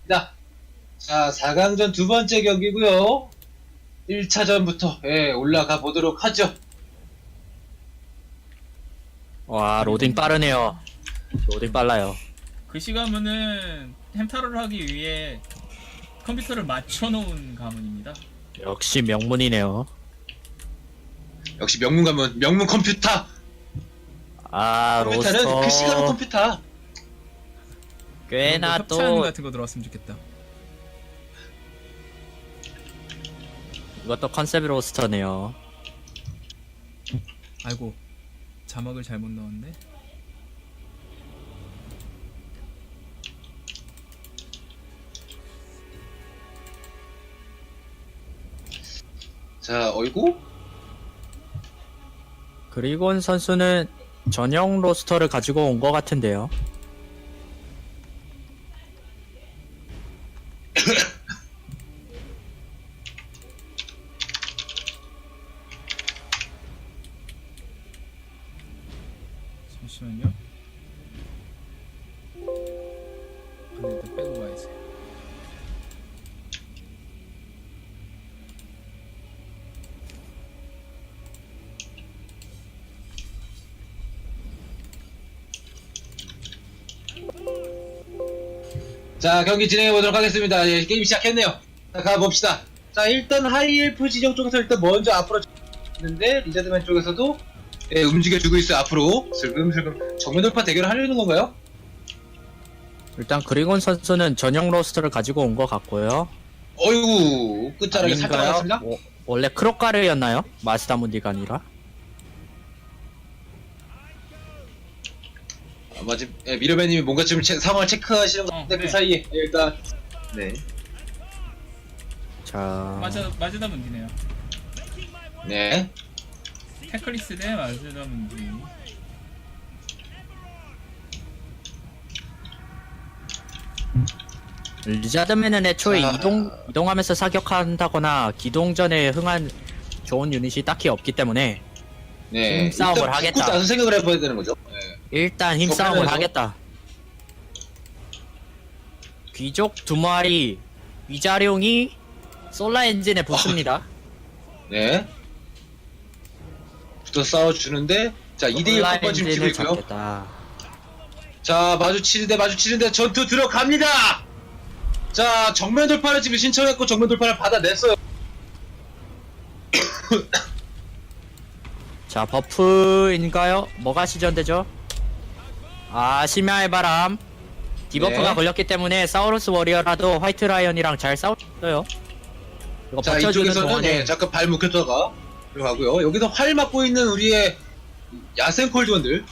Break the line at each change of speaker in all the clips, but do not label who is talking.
자, 4강전 두 번째 경기고요. 1차전부터 올라가 보도록 하죠.
와, 로딩 빠르네요. 로딩 빨라요.
그 시간은 햄타로를 하기 위해 컴퓨터를 맞춰놓은 가문입니다.
역시 명문이네요.
역시 명문 가문, 명문 컴퓨터.
아,
컴퓨터는
로스터
그 시간은 컴퓨터.
꽤나
협찬
또
같은 거 들어왔으면 좋겠다.
이것도 컨셉 로스터네요.
아이고, 자막을 잘못 넣었네.
자, 어이구?
그리곤 선수는 전용 로스터를 가지고 온 것 같은데요.
잠시만요. 근데 일단 빼고 가야지.
자, 경기 진행해 보도록 하겠습니다. 예, 게임 시작했네요. 자, 가봅시다. 자, 일단 하이엘프 지정 쪽에서 일단 먼저 앞으로 있는데 리자드맨 쪽에서도 움직여주고 있어요. 앞으로 슬금슬금 정면 돌파 대결을 하려는 건가요?
일단 그리곤 선수는 전용 로스터를 가지고 온 것 같고요.
어이구, 끝자락에 살짝
아닌가요?
맞았습니다.
원래 크로카르였나요? 마스다문디가 아니라?
지금 미러배님이 뭔가 지금 상황을 체크하시는 것 같은데
네.
그 사이에 일단 네,
자,
마즈다 문디네요.
네.
테클리스 대 마즈다 문디.
리자드맨은 애초에
자.
이동하면서 사격한다거나 기동 전에 흥한 좋은 유닛이 딱히 없기 때문에
네.
힘싸움을
일단
하겠다.
붙고 나서 생각을 해봐야 되는 거죠. 네.
일단 힘싸움을
저편에서?
하겠다. 귀족 두 마리 위자룡이 솔라 엔진에 붙습니다.
네. 붙어 싸워주는데 자 2대1
솔라
컵번 지금 치고
엔진을
있고요.
잡겠다.
자 마주치는데 전투 들어갑니다. 자 정면 돌파를 지금 신청했고 정면 돌파를 받아냈어요.
자, 버프인가요? 뭐가 시전되죠? 아, 심야의 바람. 디버프가
네.
걸렸기 때문에 사우루스 워리어라도 화이트 라이언이랑 잘 싸웠어요. 이거
자
버텨주는
이쪽에서는
동안에
잠깐 발 묶였다가 들어가고요. 여기서 활 맞고 있는 우리의 야생 콜드원들.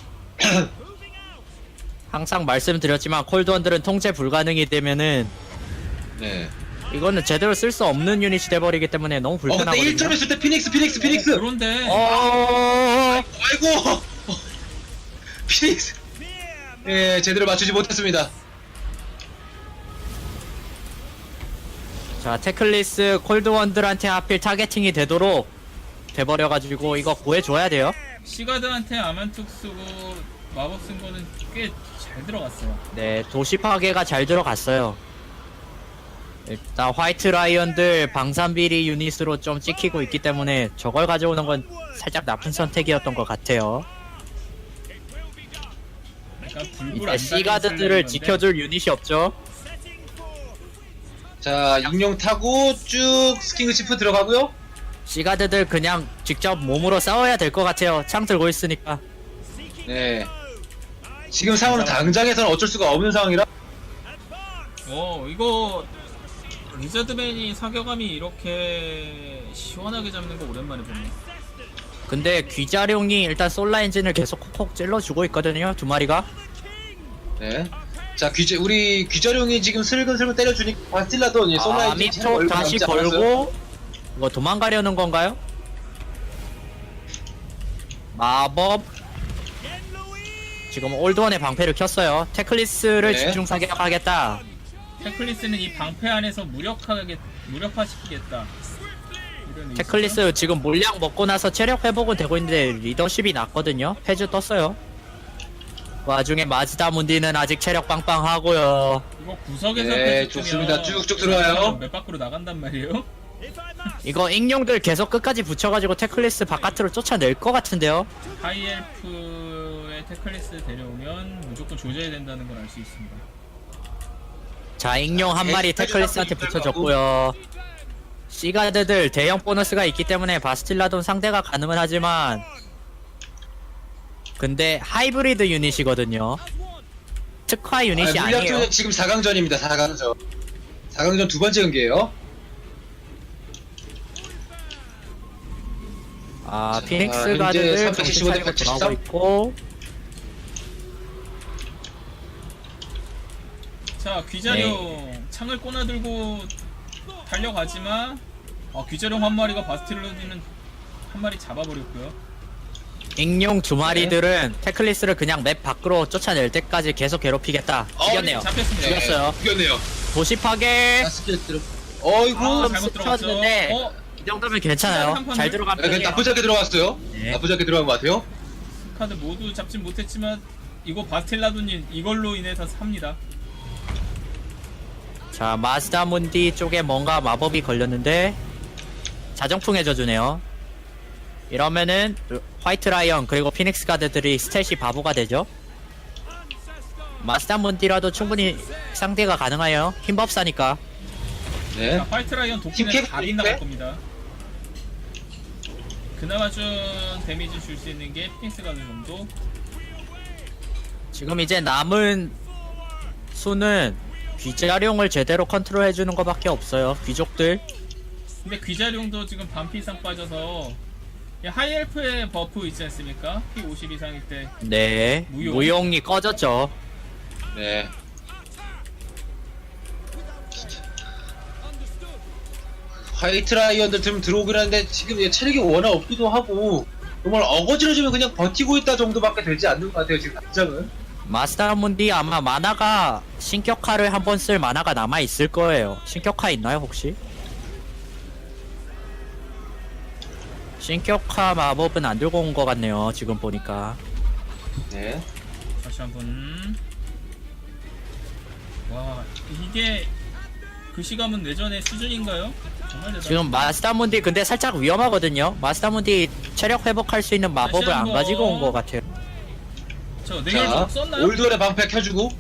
항상 말씀드렸지만 콜드원들은 통제 불가능이 되면은
네.
이거는 제대로 쓸 수 없는 유닛이 돼버리기 때문에 너무
그때
불편하거든요.
1점 했을 때 피닉스.
그런데
아이고 피닉스. 예 제대로 맞추지 못했습니다.
자, 테클리스 콜드원들한테 하필 타겟팅이 되도록 돼버려가지고 이거 구해줘야 돼요.
시가드한테 아만툭 쓰고 마법 쓴 거는 꽤 잘 들어갔어요.
네, 도시 파괴가 잘 들어갔어요. 일단 화이트 라이언들 방산비리 유닛으로 좀 찍히고 있기 때문에 저걸 가져오는 건 살짝 나쁜 선택이었던 것 같아요.
약간 불불
이때
안
시가드들을 지켜줄 유닛이 없죠.
자 육룡 타고 쭉 스킹크 치프 들어가고요.
시가드들 그냥 직접 몸으로 싸워야 될 것 같아요. 창 들고 있으니까.
네. 지금 상황은 당장에서는 어쩔 수가 없는 상황이라.
이거 리자드맨이 사격감이 이렇게 시원하게 잡는 거 오랜만에 보네.
근데 귀자룡이 일단 솔라 엔진을 계속 콕콕 찔러주고 있거든요. 두 마리가.
네. 자 우리 귀자룡이 지금 슬금슬금 때려주니까 바스틸라도 솔라이
미톡 다시 걸고 이거 도망가려는 건가요? 마법 지금 올드원의 방패를 켰어요. 테클리스를
네.
집중 사격하겠다.
테클리스는 이 방패 안에서 무력화시키겠다. 이런
테클리스 지금 물량 먹고 나서 체력 회복은 되고 있는데 리더십이 낮거든요. 패즈 떴어요. 와중에 마즈다 문디는 아직 체력 빵빵하고요.
이거 구석에서
네,
펼쳤으면
좋습니다. 쭉쭉 들어와요.
맵 밖으로 나간단 말이에요.
이거 ing용들 계속 끝까지 붙여가지고 태클리스 바깥으로 쫓아낼 것 같은데요.
하이엘프의 태클리스 데려오면 무조건 조져야 된다는 걸 알 수 있습니다.
자, ing용 한 마리
네,
태클리스한테 붙여줬고요. 시가드들 대형 보너스가 있기 때문에 바스틸라돈 상대가 가능은 하지만 근데 하이브리드 유닛이거든요. 특화 유닛이
물량
아니에요.
투는 지금 4강전입니다. 4강전. 4강전 두 번째 경기예요.
아,
자,
피닉스
현재
가드들
375
정신 차리고 돌아오고 있고
자, 귀자룡 창을 꼬나들고 달려가지만 귀자룡 한 마리가 바스틸로디는 한 마리 잡아버렸고요.
ing용 두 마리들은 태클리스를 그냥 맵 밖으로 쫓아낼 때까지 계속 괴롭히겠다. 죽였네요.
잡혔습니다.
네. 죽였어요.
죽였네요.
도시 파괴.
자, 스킬 들어. 어이구.
아,
좀
잘못 들어갔어.
스쳐졌는데 이 정도면 괜찮아요.
한
잘 들어간
네,
편이에요.
나쁘지 않게 들어갔어요.
네.
나쁘지 않게 들어간 것 같아요.
카드 모두 잡진 못했지만 이거 바스틸라도님 이걸로 인해서 삽니다.
자, 마스다 문디 쪽에 뭔가 마법이 걸렸는데 자정풍의 저주네요. 이러면은 화이트 라이언 그리고 피닉스 가드들이 스탯이 바보가 되죠. 마스다 문디라도 충분히 상대가 가능해요. 힘법사니까.
네.
자, 화이트 라이언 도끼는
팀캡
다 빗나갈 겁니다. 그나마 좀 데미지 줄 수 있는 게 피닉스 가드 정도.
지금 이제 남은 수는 귀자룡을 제대로 컨트롤해주는 것밖에 없어요. 귀족들.
근데 귀자룡도 지금 반피 이상 빠져서 하이엘프의 버프 있지 않습니까? 피 50 이상일 때
네.
무용.
무용이 꺼졌죠.
네. 화이트 라이언들 좀 들어오긴 하는데 지금 얘 체력이 워낙 없기도 하고 정말 어거지러지면 그냥 버티고 있다 정도밖에 되지 않는 것 같아요. 지금 당장은.
마스터 문디 아마 만화가 신격화를 한번 쓸 만화가 남아 있을 거예요. 신격화 있나요 혹시? 신격화 마법은 안 들고 온 것 같네요. 지금 보니까.
네.
다시 한번. 와, 이게 그 시감은 내전의 수준인가요? 정말 대단.
지금 마스터 문디 근데 살짝 위험하거든요. 마스터 문디 체력 회복할 수 있는 마법을
다시
안
한번.
가지고 온 것 같아요.
저
자,
냉혈적 썼나요?
올드월의 방패 켜주고.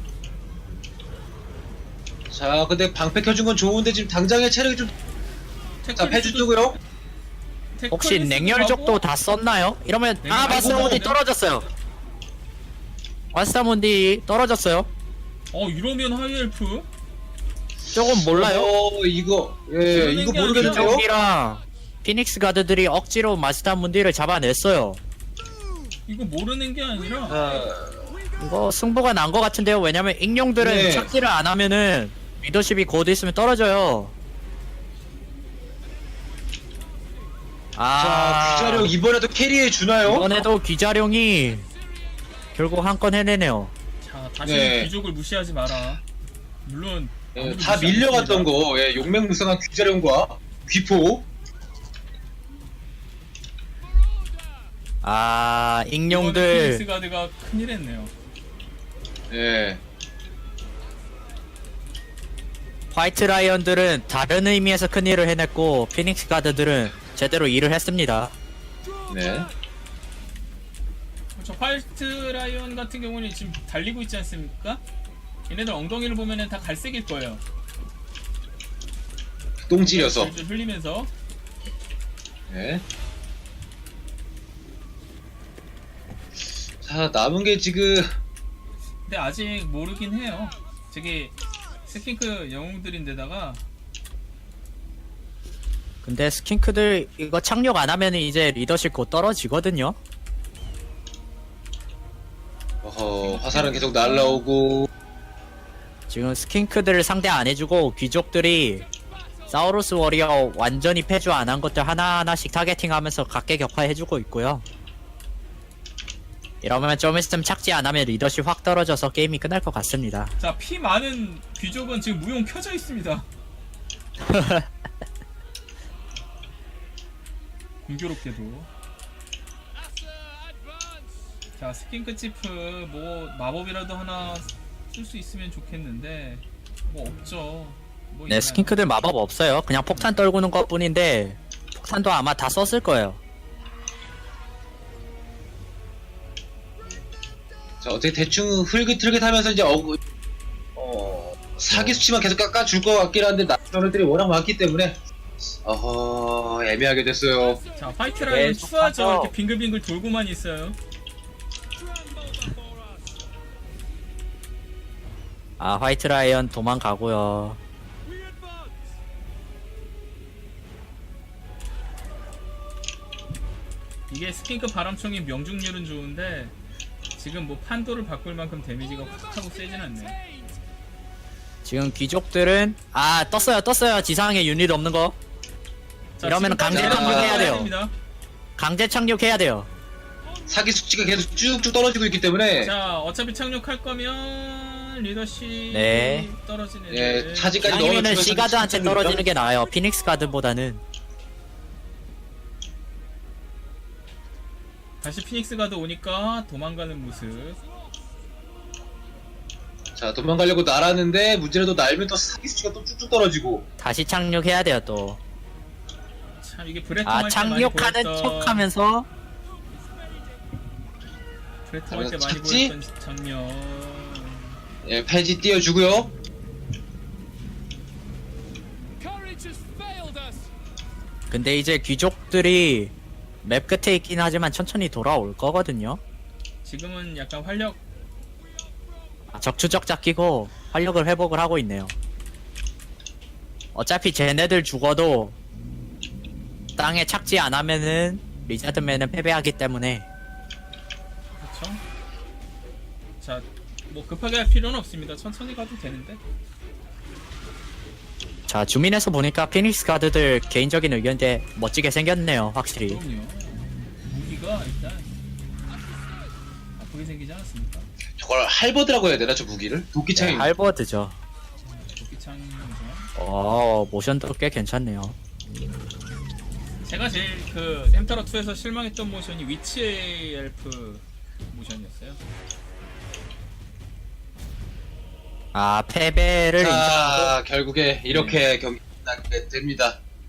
자, 근데 방패 켜준 건 좋은데 지금 당장의 체력이 좀. 자, 패주고요.
혹시 냉혈족도 다 썼나요? 이러면 아
냉혈-
마스터 문디 떨어졌어요. 마스터 문디 떨어졌어요.
이러면 하이엘프?
조금 몰라요.
이거 예, 이거
게 아니라
모르겠는데요.
귀족이랑 피닉스 가드들이 억지로 마스터 문디를 잡아냈어요.
이거 모르는 게 아니라
이거 승부가 난 것 같은데요. 왜냐면 ing용들은
네.
착지를 안 하면은 리더십이 곧 있으면 떨어져요.
자, 귀자룡 이번에도 캐리해 주나요?
이번에도 귀자룡이 결국 한 건 해내네요.
자, 다시는
네.
귀족을 무시하지 마라. 물론
예,
아무도
다
무시 안
밀려갔던
했습니다.
거, 예, 용맹무쌍한 귀자룡과 귀포.
아,
이번
ing용들
피닉스 가드가 큰일 했네요.
예,
화이트 라이언들은 다른 의미에서 큰 일을 해냈고 피닉스 가드들은 제대로 일을 했습니다.
네.
저 화이트 라이언 같은 경우는 지금 달리고 있지 않습니까? 얘네들 엉덩이를 보면은 다 갈색일 거예요.
똥 찌려서.
줄줄 흘리면서.
예. 자, 남은 게 지금
근데 아직 모르긴 해요. 저게 스킨크 영웅들인데다가
근데 스킨크들 이거 착륙 안 하면 이제 리더십 곧 떨어지거든요.
화살은 계속 날라오고.
지금 스킨크들을 상대 안 해주고 귀족들이 사우루스 워리어 완전히 패주 안 한 것들 하나하나씩 타겟팅하면서 각계격파해주고 있고요. 이러면 좀 있으면 착지 안 하면 리더십 확 떨어져서 게임이 끝날 것 같습니다.
자, 피 많은 귀족은 지금 무용 켜져 있습니다. 공교롭게도. 자, 스킨크치프 뭐 마법이라도 하나 쓸 수 있으면 좋겠는데 뭐 없죠. 뭐
네,
있나요?
스킨크들 마법 없어요. 그냥 폭탄 떨구는 것 뿐인데 폭탄도 아마 다 썼을 거예요.
자, 어떻게 대충 흐릿흐릿하면서 이제 사기 수치만 계속 깎아줄 것 같긴 한데 나선들이 워낙 많기 때문에 애매하게 됐어요.
자, 화이트 라이언
네,
추하죠.
속아서-
이렇게 빙글빙글 돌고만 있어요.
아, 화이트 라이언 도망가고요.
이게 스킨크 바람총이 명중률은 좋은데 지금 뭐 판도를 바꿀 만큼 데미지가 훅 하고 세진 않네.
지금 귀족들은 떴어요. 지상에 유닛 없는 거.
자,
이러면
지금까지
강제 착륙해야
돼요.
됩니다.
강제 착륙해야 돼요.
사기 수치가 계속 쭉쭉 떨어지고 있기 때문에
자, 어차피 착륙할 거면 리더십
네.
떨어지네.
예, 차지까지
아니면은
넣어주면서
시가드한테
착륙이니까.
떨어지는 게 나아요. 피닉스 가드보다는.
다시 피닉스 가드 오니까 도망가는 모습.
자, 도망가려고 날았는데 문제는 또 날면 또 사기 수치가 또 쭉쭉 떨어지고.
다시 착륙해야 돼요, 또.
참 이게 브레통
아,
할때 많이
착륙하는
보였던
척 하면서
브레통 할때 많이
착지?
보였던 장면.
예, 폐지 띄워주고요.
근데 이제 귀족들이 맵 끝에 있긴 하지만 천천히 돌아올 거거든요.
지금은 약간 활력
적추적자 끼고 활력을 회복을 하고 있네요. 어차피 쟤네들 죽어도 땅에 착지 안 하면은 리자드맨은 패배하기 때문에
그렇죠. 자, 뭐 급하게 할 필요는 없습니다. 천천히 가도 되는데.
자, 주민에서 보니까 피닉스 가드들 개인적인 의견인데 멋지게 생겼네요, 확실히.
그럼요. 무기가 일단 아프게 생기지 않았습니까?
저걸 할버드라고 해야 되나, 저 무기를?
네,
도끼창이.
할버드죠.
도끼창이면서
모션도 꽤 괜찮네요.
제가 제일 그 햄터러 2에서 실망했던 모션이 위치 엘프 모션이었어요.
아, 패배를 인정하고
자, 결국에 이렇게 경기 끝나게 됩니다.